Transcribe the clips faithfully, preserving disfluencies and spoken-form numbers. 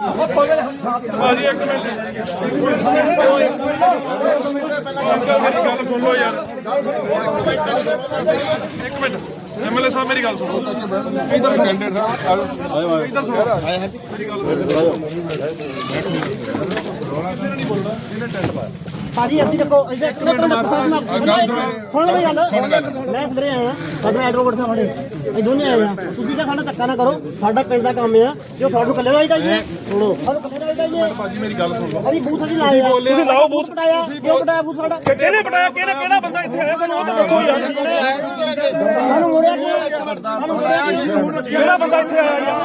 ਭਾਜੀ ਇੱਕ ਮਿੰਟ ਮੇਰੀ ਗੱਲ ਸੁਣ ਲਓ ਯਾਰ ਇੱਕ ਮਿੰਟ ਐਮਐਲਏ ਸਾਹਿਬ ਮੇਰੀ ਗੱਲ ਸੁਣੋ ਇਧਰ ਕੈਂਡੀਡੇਟ ਸਾਹਿਬ ਇਧਰ ਸੁਣੋ ਮੇਰੀ ਗੱਲ ਨਹੀਂ ਬੋਲਦਾ ਇਹਨੇ ਟੈਂਟ ਪਾਇਆ ਭਾਜੀ ਅਸੀਂ ਦੇਖੋ ਇੱਥੇ ਇੱਕ ਮਿੰਟ ਸੁਣ ਲਓ ਗੱਲ ਮੈਂ ਸਵੇਰੇ ਆਇਆ ਸਾਡਾ ਐਡਵੋਕੇਟ ਸਾਹਿਬ ਸਾਡੇ ਇਹ ਦੋਨੇ ਆਏ ਆ ਤੁਸੀਂ ਤਾਂ ਸਾਡਾ ਧੱਕਾ ਨਾ ਕਰੋ ਸਾਡਾ ਪਿੰਡ ਦਾ ਕੰਮ ਆ ਜੋ ਤੁਹਾਨੂੰ ਕੱਲੇ ਨਾਲ ਚਾਹੀਏ ਸੁਣੋ ਸਾਨੂੰ ਕੱਲੇ ਨਾਲ ਚਾਹੀਏ ਭਾਜੀ ਮੇਰੀ ਗੱਲ ਸੁਣ ਲਓ ਅਸੀਂ ਬੂਥ ਅਸੀਂ ਲਾਏ ਆ ਤੁਸੀਂ ਲਾਓ ਬੂਥ ਪਟਾਇਆ ਕਿਉਂ ਪਟਾਇਆ ਬੂਥ ਸਾਡਾ ਕਿਹਨੇ ਪਟਾਇਆ ਕਿਹੜਾ ਕਿਹੜਾ ਬੰਦਾ ਇੱਥੇ ਆਇਆ ਸਾਨੂੰ ਉਹ ਤਾਂ ਦੱਸੋ ਯਾਰ ਸਾਨੂੰ ਮੋੜਿਆ ਕਿਹੜਾ ਬੰਦਾ ਇੱਥੇ ਆਇਆ ਯਾਰ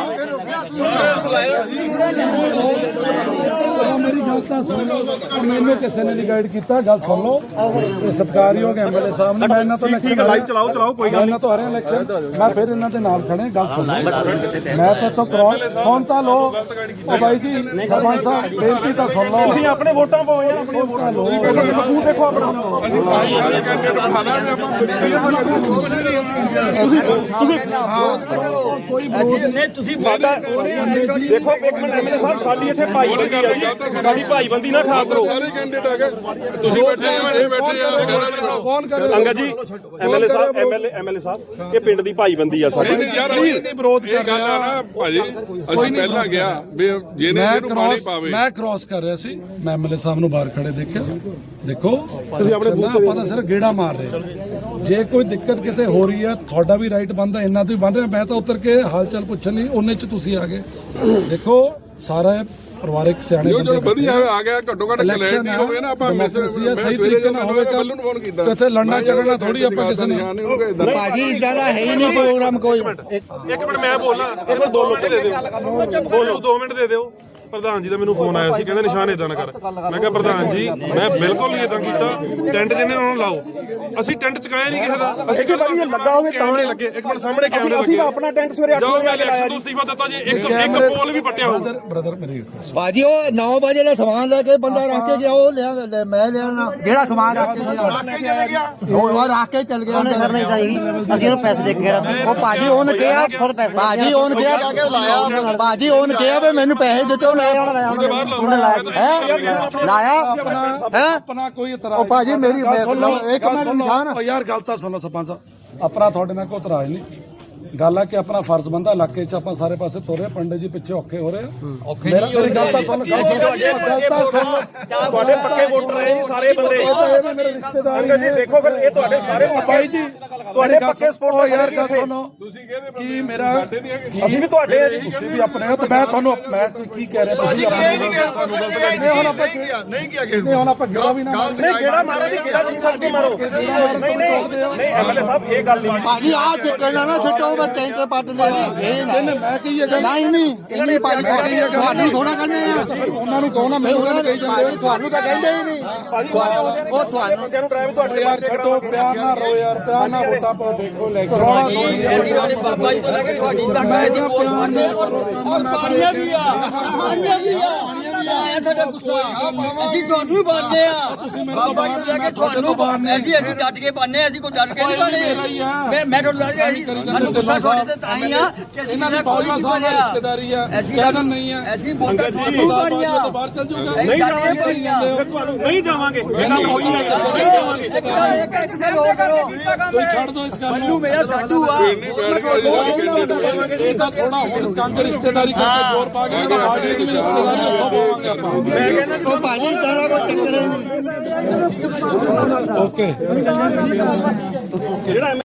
ਮੇਰੀ ਗੱਲ ਤਾਂ ਸੁਣ ਲਓ ਮੈਨੂੰ ਕਿਸੇ ਨੇ ਨਹੀਂ ਗਾਈਡ ਕੀਤਾ ਗੱਲ ਸੁਣ ਲਓ ਇਹ ਸਤਿਕਾਰਯੋਗ ਐਮਐਲਏ ਸਾਹਿਬ ਨੇ ਮੈਂ ਇਹਨਾਂ ਤੋਂ ਇਲੈਕਸ਼ਨ ਲਾਈਵ ਚਲਾਓ ਚਲਾਓ ਕੋਈ ਗੱਲ ਇਹਨਾਂ ਤੋਂ ਹਰਿਆ ਇਲੈਕਸ਼ਨ ਮੈਂ ਫਿਰ ਇਹਨਾਂ ਦੇ ਨਾਲ ਖੜੇ ਗੱਲ ਸੁਣ ਲਓ ਮੈਂ ਤਾਂ ਤੋਂ ਕ੍ਰੋਸ ਫੋਨ ਤਾਂ ਲੋ ਉਹ ਬਾਈ ਜੀ ਸਰਪੰਚ ਸਾਹਿਬ ਬੇਨਤੀ ਤਾਂ ਸੁਣ ਲਓ ਤੁਸੀਂ ਆਪਣੇ ਵੋਟਾਂ ਪਾਓ ਯਾਰ ਆਪਣੀਆਂ ਵੋਟਾਂ ਲਓ ਮੂੰਹ ਦੇਖੋ ਆਪਣਾ ਤੁਸੀਂ ਤੁਸੀਂ ਕੋਈ ਨਹੀਂ ਤੁਸੀਂ ਸਾਡਾ ਦੇਖੋ ਇੱਕ ਮਿੰਟ ਐਮਐਲਏ ਸਾਹਿਬ ਸਾਡੀ ਇੱਥੇ ਭਾਈਬੰਦੀ ਆ ਸਾਡੀ ਭਾਈਬੰਦੀ ਨਾ ਖਰਾਬ ਕਰੋ ਸਾਰੇ ਕੈਂਡੀਡੇਟ ਆ ਗਏ ਤੁਸੀਂ ਬੈਠੇ ਆ ਬੈਠੇ ਆ ਫੋਨ ਕਰ ਅੰਗਦ ਜੀ ਐਮਐਲਏ ਸਾਹਿਬ ਐਮਐਲਏ ਐਮਐਲਏ ਸਾਹਿਬ ਇਹ ਪਿੰਡ ਦੀ ਭਾਈਬੰਦੀ ਆ ਸਾਡੀ ਯਾਰ ਅਸੀਂ ਨਹੀਂ ਵਿਰੋਧ ਕਰ ਗੱਲ ਆ ਨਾ ਭਾਜੀ ਅਸੀਂ ਪਹਿਲਾਂ ਗਿਆ ਵੀ ਜਿਹਨੇ ਮੈਂ ਇਹਨੂੰ ਪਾਣੀ ਕ੍ਰਾਸ ਪਾਵੇ ਮੈਂ ਕ੍ਰਾਸ ਕਰ ਰਿਹਾ ਸੀ ਮੈਂ ਐਮਐਲਏ ਸਾਹਿਬ ਨੂੰ ਬਾਹਰ ਖੜੇ ਦੇਖਿਆ ਦੇਖੋ ਤੁਸੀਂ ਆਪਣੇ ਆਪਾਂ ਤਾਂ ਸਿਰਫ ਗੇੜਾ ਮਾਰ ਰਹੇ ਜੇ ਕੋਈ ਦਿੱਕਤ ਕਿਤੇ ਹੋ ਰਹੀ ਹੈ ਤੁਹਾਡਾ ਵੀ ਰਾਈਟ ਬਣਦਾ ਇੰਨਾ ਤੋਂ ਹੀ ਬਣ ਰਿਹਾ ਮੈਂ ਤਾਂ ਉਤਰ ਕੇ ਹਾਲ ਚਾਲ ਪੁੱਛਣ ਲਈ ਉਹਨੇ ਚ ਤੁਸੀਂ ਆ ਗਏ ਦੇਖੋ ਸਾਰਾ ਪਰਿਵਾਰਿਕ ਸਿਆਣੇ ਜੋ ਜੋ ਵਧੀਆ ਆ ਗਿਆ ਘੱਟੋ ਘੱਟ ਕਲੈਰਿਟੀ ਹੋਵੇ ਨਾ ਆਪਾਂ ਮੈਸੇਜ ਸਹੀ ਤਰੀਕੇ ਨਾਲ ਹੋਵੇ ਕੱਲ ਕਿਤੇ ਲੜਨਾ ਝਗੜਨਾ ਥੋੜੀ ਆਪਾਂ ਕਿਸੇ ਨੇ ਭਾਜੀ ਇਦਾਂ ਦਾ ਹੈ ਹੀ ਨਹੀਂ ਪ੍ਰੋਗਰਾਮ ਕੋਈ ਇੱਕ ਮਿੰਟ ਮੈਂ ਬੋਲਾਂ ਇੱਕ ਮਿੰਟ ਦੋ ਮਿੰਟ ਦੇ ਦਿਓ ਬੋਲੋ ਦੋ ਮਿੰਟ ਦੇ ਦਿਓ ਪ੍ਰਧਾਨ ਜੀ ਦਾ ਮੈਨੂੰ ਫੋਨ ਆਇਆ ਸੀ ਕਹਿੰਦੇ ਨਿਸ਼ਾਨ ਇਦਾਂ ਨਾ ਕਰ ਮੈਂ ਕਿਹਾ ਪ੍ਰਧਾਨ ਜੀ ਮੈਂ ਬਿਲਕੁਲ ਨਹੀਂ ਇਦਾਂ ਕੀਤਾ ਟੈਂਟ ਜਿਹਨੇ ਉਹਨਾਂ ਨੂੰ ਲਾਓ ਅਸੀਂ ਟੈਂਟ ਚਕਾਇਆ ਨਹੀਂ ਕਿਸੇ ਦਾ ਅਸੀਂ ਕਿ ਭਾਈ ਇਹ ਲੱਗਾ ਹੋਵੇ ਤਾਂ ਲੱਗੇ ਇੱਕ ਮਿੰਟ ਸਾਹਮਣੇ ਕੈਮਰੇ ਲੱਗੇ ਅਸੀਂ ਆਪਣਾ ਟੈਂਟ ਸਵੇਰੇ ਅੱਠ ਵਜੇ ਇਲੈਕਸ਼ਨ ਤੋਂ ਅਸਤੀਫਾ ਦਿੱਤਾ ਜੀ ਇੱਕ ਇੱਕ ਪੋਲ ਵੀ ਪੱਟਿਆ ਹੋਊ ਬ੍ਰਦਰ ਮੇਰੀ ਭਾਜੀ ਉਹ ਨੌ ਵਜੇ ਦਾ ਸਮਾਨ ਲੈ ਕੇ ਬੰਦਾ ਰੱਖ ਕੇ ਗਿਆ ਉਹ ਲਿਆ ਮੈਂ ਲਿਆ ਜਿਹੜਾ ਸਮਾਨ ਰੱਖ ਕੇ ਗਿਆ ਉਹ ਰੱਖ ਕੇ ਚੱਲ ਗਿਆ ਅਸੀਂ ਉਹਨੂੰ ਪੈਸੇ ਦੇ ਕੇ ਉਹ ਭਾਜੀ ਉਹਨੇ ਕਿਹਾ ਭਾਜੀ ਉਹਨੇ ਕਿਹਾ ਲਾਇਆ ਭਾਜੀ ਉਹਨੇ ਕਿਹਾ ਵੀ ਮੈਨੂੰ ਪੈਸੇ ਦਿੱਤੇ ਮੈਂ ਲਾਇਆ ਹੈ ਆਪਣਾ ਕੋਈ ਇਤਰਾਜ਼ ਉਹ ਭਾਜੀ ਮੇਰੀ ਇੱਕ ਮਿੰਟ ਨਿਸ਼ਾਨ ਯਾਰ ਗੱਲ ਤਾਂ ਸੁਣੋ ਸਰਪੰਚ ਸਾਹਿਬ ਆਪਣਾ ਤੁਹਾਡੇ ਨਾਲ ਕੋਈ ਇਤਰਾਜ਼ ਨਹੀਂ ਗੱਲ ਆ ਕਿ ਆਪਣਾ ਫਰਜ਼ ਬੰਦਾ ਇਲਾਕੇ 'ਚ ਆਪਾਂ ਸਾਰੇ ਪਾਸੇ ਤੁਰ ਰਹੇ ਪੰਡਿਤ ਜੀ ਪਿੱਛੇ ਔਖੇ ਹੋ ਰਹੇ ਔਖੇ ਨਹੀਂ ਮੇਰੀ ਗੱਲ ਤਾਂ ਸੁਣ ਗੱਲ ਤਾਂ ਸੁਣ ਤੁਹਾਡੇ ਪੱਕੇ ਵੋਟਰ ਰਹੇ ਜੀ ਸਾਰੇ ਬੰਦੇ ਇਹ ਮੇਰੇ ਰਿਸ਼ਤੇਦਾਰ ਅੰਗਦ ਜੀ ਦੇਖੋ ਫਿਰ ਇਹ ਤੁਹਾਡੇ ਸਾਰੇ ਭਾਈ ਜੀ ਤੁਹਾਡੇ ਪੱਕੇ ਸਪੋਰਟ ਯਾਰ ਗੱਲ ਸੁਣੋ ਤੁਸੀਂ ਕਹਿੰਦੇ ਕੀ ਮੇਰਾ ਅਸੀਂ ਵੀ ਤੁਹਾਡੇ ਆ ਜੀ ਤੁਸੀਂ ਵੀ ਆਪਣੇ ਹੋ ਤੇ ਮੈਂ ਤੁਹਾਨੂੰ ਮੈਂ ਕੀ ਕਹਿ ਰਿਹਾ ਤੁਸੀਂ ਨਹੀਂ ਹੁਣ ਆਪਾਂ ਨਹੀਂ ਕਿਹਾ ਕਿਸੇ ਨਹੀਂ ਹੁਣ ਆਪਾਂ ਗੇੜਾ ਵੀ ਨਾ ਨਹੀਂ ਕਿਹੜਾ ਮਾਰੋ ਜੀ ਕਿਹੜਾ ਜੀ ਸਖਤੀ ਮਾਰੋ ਨਹੀਂ ਨਹੀਂ ਨਹੀਂ ਐਮਐਲਏ ਸਾਹਿਬ ਇਹ ਗੱਲ ਨਹੀਂ ਭਾਜੀ ਆ ਚੱਕਣਾ ਨਾ ਛੱਟੋ ਮੈਂ ਟੈਂਟਰ ਪੱਟ ਦੇ ਇਹ ਮੈਂ ਕਹੀ ਹੈਗਾ ਨਹੀਂ ਨਹੀਂ ਇੰਨੀ ਭਾਜੀ ਤੁਹਾਨੂੰ ਥੋੜਾ ਕਹਿੰਦੇ ਆ ਉਹਨਾਂ ਨੂੰ ਕਹੋ ਨਾ ਮੈਨੂੰ ਉਹਨਾਂ ਨੇ ਕਹੀ ਜਾਂਦੇ ਤੁਹਾਨੂੰ ਤਾਂ ਕਹਿੰਦੇ ਹੀ ਨਹੀਂ ਉਹ ਤੁਹਾਨੂੰ ਨੂੰ ਡਰਾਈਵ ਤੁਹਾਡੇ ਯਾਰ ਛੱਡੋ ਪਿਆਰ ਨਾ ਰੋ ਯਾਰ ਪਿਆਰ ਨਾ ਵੋਟਾਂ ਪਾਓ ਦੇਖੋ ਲੈ ਕਰੋਨਾ ਥੋੜੀ ਬਾਬਾ ਜੀ ਤੋਂ ਲੈ ਕੇ ਤੁਹਾਡੀ ਤੱਕ ਹੈ ਜੀ ਵੋਟ ਪਾਉਂਦੇ ਔਰ ਪਾਣੀਆਂ ਵੀ ਆ ਪਾਣੀਆਂ ਵੀ ਆ ਆਇਆ ਤੁਹਾਡਾ ਗੁੱਸਾ ਅਸੀਂ ਤੁਹਾਨੂੰ ਹੀ ਪਾਉਂਦੇ ਆ ਬਾਬਾ ਜੀ ਤੋਂ ਲੈ ਕੇ ਤੁਹਾਨੂੰ ਪਾਉਂਦੇ ਅਸੀਂ ਅਸੀਂ ਡਟ ਕੇ ਪਾਉਂਦੇ ਅਸੀਂ ਕੋਈ ਡਟ ਕੇ ਨਹੀਂ ਪਾਉਂਦੇ ਮੈਂ ਮੈਂ ਤੁਹਾਨੂੰ ਦੱਸ ਰਿਹਾ ਸੀ ਸਾਨੂੰ ਗੁੱਸਾ ਤੁਹਾਡੇ ਤੇ ਤਾਂ ਹੀ ਆ ਕਿ ਅਸੀਂ ਇਹਨਾਂ ਦੀ ਬਾਬਾ ਸਾਹਿਬ ਨਾਲ ਰਿਸ਼ਤੇਦਾਰੀ ਆ ਕਹਿਣਾ ਨਹੀਂ ਆ ਅਸੀਂ ਵੋਟਾਂ ਤੁਹਾਨੂੰ ਪਾਣੀਆਂ ਬਾਹਰ ਚੱਲ ਜਾਊਗਾ ਨਹੀਂ ਜਾਵਾਂਗੇ ਤੁਹਾਨੂੰ ਨਹੀਂ ਜਾਵਾਂਗੇ ਇਹ ਗੱਲ ਹੋਈ ਹੈ ਕਿਸੇ ਲੋਕ ਕਰੋ ਕੋਈ ਛੱਡ ਦੋ ਇਸ ਗੱਲ ਮੈਨੂੰ ਮੇਰਾ ਸਾਡੂ ਆ ਇਹ ਤਾਂ ਥੋੜਾ ਹੁਣ ਕੰਗ ਰਿਸ਼ਤੇਦਾਰੀ ਕਰਕੇ ਜ਼ੋਰ ਪਾ ਕੇ ਬਾਡੀ ਦੀ ਰਿਸ਼ਤੇਦਾਰੀ ਉੱਥੋਂ ਪਾਵਾਂਗੇ ਆਪਾਂ ਮੈਂ ਕਹਿੰਦਾ ਉਹ ਭਾਜੀ ਇਦਾਂ ਦਾ ਕੋਈ ਚੱਕਰ ਹੀ ਨਹੀਂ ਓਕੇ ਜਿਹੜਾ